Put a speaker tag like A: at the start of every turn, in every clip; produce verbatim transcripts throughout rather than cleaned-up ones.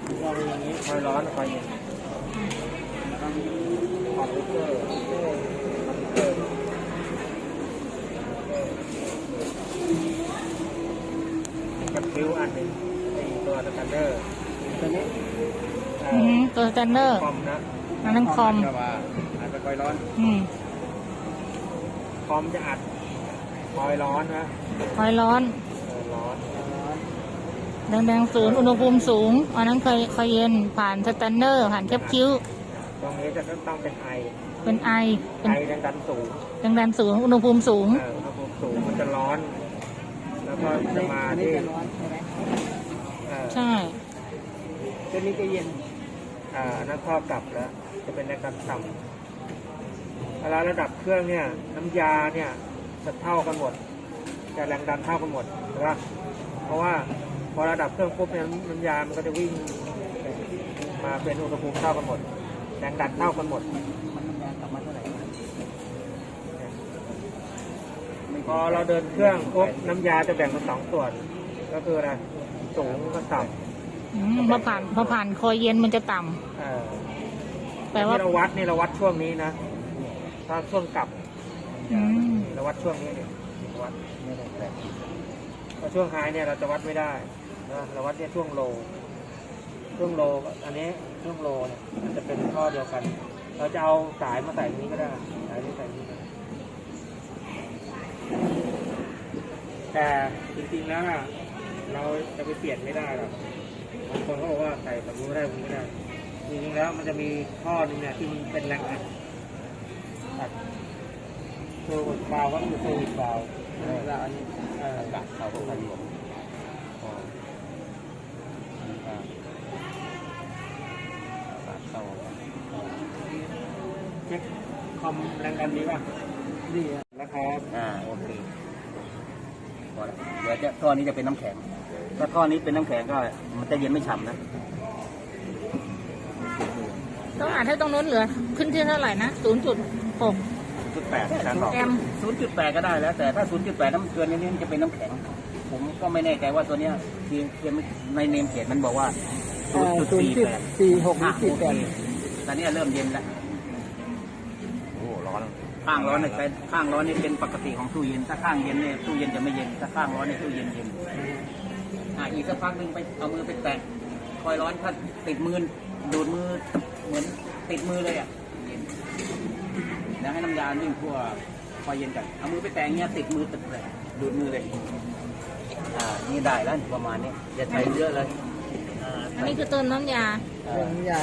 A: เราเป็นอย่างนี้คอยร้อนคอยเย็นต้องคอมพิวเตอร์คอมพิวเตอร์กับคิวอันหนึ่งไอตัวสแกนเนอร์ตัวนี้
B: ตัวสแกนเนอร์
A: คอมนะ
B: อันนั้นคอม
A: อาจจะคอยร้อนคอมจะอัดคอยร้อนนะ
B: คอยร้อน
A: ร้อน
B: แดงๆศูนย์อุณหภูมิสูงอันนั้นเคยคอยเย็นผ่านสแกนเนอร์ผ่านแคปคิ้ว
A: ตรงนี้จะต้องเป็นไอ
B: เป็นไอ
A: ไอแรงดันสูง
B: แรงดันสูงอุณหภูมิสูง
A: อุณหภูมิสูงมันจะร้อนแล้วก็จะมาที่
B: ใช่
A: ตัวนี้จะเย็นอ่านั่นข้อกลับแล้วจะเป็นแรงดันต่ำเวลาระดับเครื่องเนี่ยน้ำยาเนี่ยจะเท่ากันหมดจะแรงดันเท่ากันหมดใช่ปะเพราะว่าพอระดับเครื่องปุ๊บเนี่ยน้ำยามันก็จะวิ่งมาเป็นอุณหภูมิเท่ากันหมดแรงดันเท่ากันหมดมันน้ำยากลับมาเท่าไหร่พอเราเดินเครื่องปุ๊บน้ำยาจะแบ่งเป็นสองส่วนก็คืออะไรสูงกับต่
B: ำพอผ่านพอผ่านคอยเย็นมันจะต่ำแปลว่า
A: เราวัดนี่เราวัดช่วงนี้นะถ้าช่วงกลับเราวัดช่วงนี้เนี่ยวัดไม่ได้แต่พอช่วงไฮเนี่ยเราจะวัดไม่ได้นะเราวัดเนี่ยช่วงโลช่วงโลอันนี้ช่วงโลเนี่ยมันจะเป็นข้อเดียวกันเราจะเอาสายมาใส่ตรงนี้ก็ได้สายนี้ใส่ตรงนี้แต่จริงๆแล้วนะเราจะไปเปลี่ยนไม่ได้หรอกบางคนเขาบอกว่าใส่แบบนี้ไม่ได้แบบนี้ไม่ได้จริงๆแล้วมันจะมีข้อหนึ่งเนี่ยที่มันเป็นแรงอัดอัดเซอร์วิสบาล์วก็คือเซอร์วิสบาล์วแล้วอันนี้อากาศเข้าไปรวมเช็คคอมแรงดันดีป่ะดีนะครับอ่าโอเคพอแล้วเดี๋ยวจะท่อนี้จะเป็นน้ำแข็งถ้าท่อนี้เป็นน้ำแข็งก็มันจะเย็นไม่ฉ่ำนะ
B: ต้องอ่านให้ตรงโน้นเหลือขึ้นที่เท่าไหร่นะศูนย์จุดหก
A: จุดแปดชั้นบอกศูนย์จุดแปดก็ได้แล้วแต่ถ้าศูนย์จุดแปดน้ำเกลือนี้มันจะเป็นน้ำแข็งผมก็ไม่แน่ใจว่าตัวเนี้ยที่ในเนมเขียนมันบอกว่าศูนย์จุดสี่แปด
C: สี่หกสี่แปด
A: ตอนนี้เริ่มเย็นแล้วโอ้ร้อนข้างร้อนเนี่ยเป็นข้างร้อนนี่เป็นปกติของตู้เย็นถ้าข้างเย็นเนี่ยตู้เย็นจะไม่เย็นถ้าข้างร้อนเนี่ยตู้เย็นเย็นอ่าอีกสักพักหนึ่งไปเอามือไปแตะคอยร้อนถ้าติดมือดูดมือเหมือนติดมือเลยอ่ะเย็นแล้วให้น้ำยาวิ่งทั่วคอยเย็นกันเอามือไปแตะเงี้ยติดมือติดเลยดูดมือเลยอ่านี่ได้แล้วประมาณนี้อย่าใช้เยอะเลย
B: อันนี้คือเติมน้ำยา
C: น้ำยา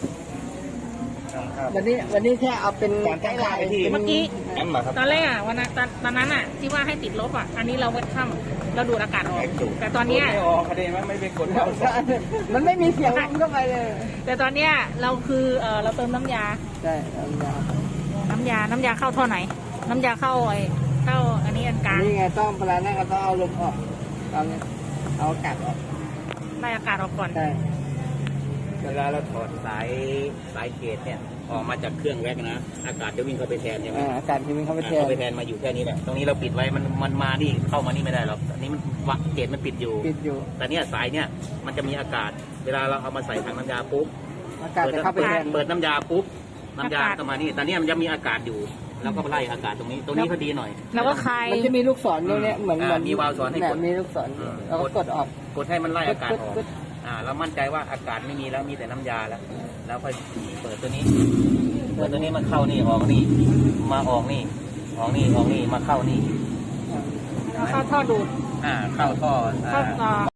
C: วันนี้วันนี้แค่เอาเป็น
A: การตั้งค่าที่
B: เมื่อกี้ตอนแรกอ่ะวันนั้นตอนนั้นอ่ะที่ว่าให้ติดลบอ่ะอันนี้เราวัดค่ำเราดูดอากาศออกแต่ตอนนี้
A: ไม่ออกคดีมันไม่เป็นกดเข้า
C: มันไม่มีเสียงเข้าไปเลย
B: แต่ตอนเนี้ยเราคือเออเราเติมน้ำยา
C: ใช่น้ำยา
B: น้ำยาน้ำยาเข้าท่อไหนน้ำยาเข้าไอ้เข้าอันนี้อันกลาง
C: นี่ไงต้องเวลานั่งก็ต้องเอาลมออกเอาเนี่ยเอาอากาศออก
B: ไล่อากาศออกก่อน
C: ใช่
A: เวลาเราถอดสายสายเกจเนี่ยออกมาจากเครื่องแว็กนะอากาศจะวิ่งเข้าไปแทนใช่ไหม
C: อากาศจะวิ่งเข้าไปแทน
A: เข้าไปแทนมาอยู่แค่นี้แหละตรงนี้เราปิดไว้มันมันมานี่เข้ามานี่ไม่ได้หรอกอันนี้มันวักเกจมันปิดอยู่
C: ปิดอยู่
A: แต่เนี้ยสายเนี่ยมันจะมีอากาศเวลาเราเอามาใส่ถังน้ำยาปุ๊บ
C: อากาศจะเข้าไปแทน
A: เปิดน้ำยาปุ๊บน้ำยาเข้ามานี่แต่เนี้ยมันจะมีอากาศอยู่แล้วก็ไล่อากาศตรงนี้ตรงนี้พอดีหน่อย
B: แล้วก็คลาย
C: มันจะมีลูกศรตรงนี้เหมือนเหมือน
A: มีวาล์วสอนให้กด
C: มีลูกศรเราก็กดออก
A: กดให้มันไล่อากาศออกอ่าเรามั่นใจว่าอากาศไม่มีแล้วมีแต่น้ำยาแล้วแล้วค่อยเปิดตัวนี้เปิดตัวนี้มันเข้านี่ออกนี่มาออกนี่ออกนี่ออกนี่มาเข้านี่
B: เข้าท่อดูด
A: อ่าเข้าท่อ
B: เข้า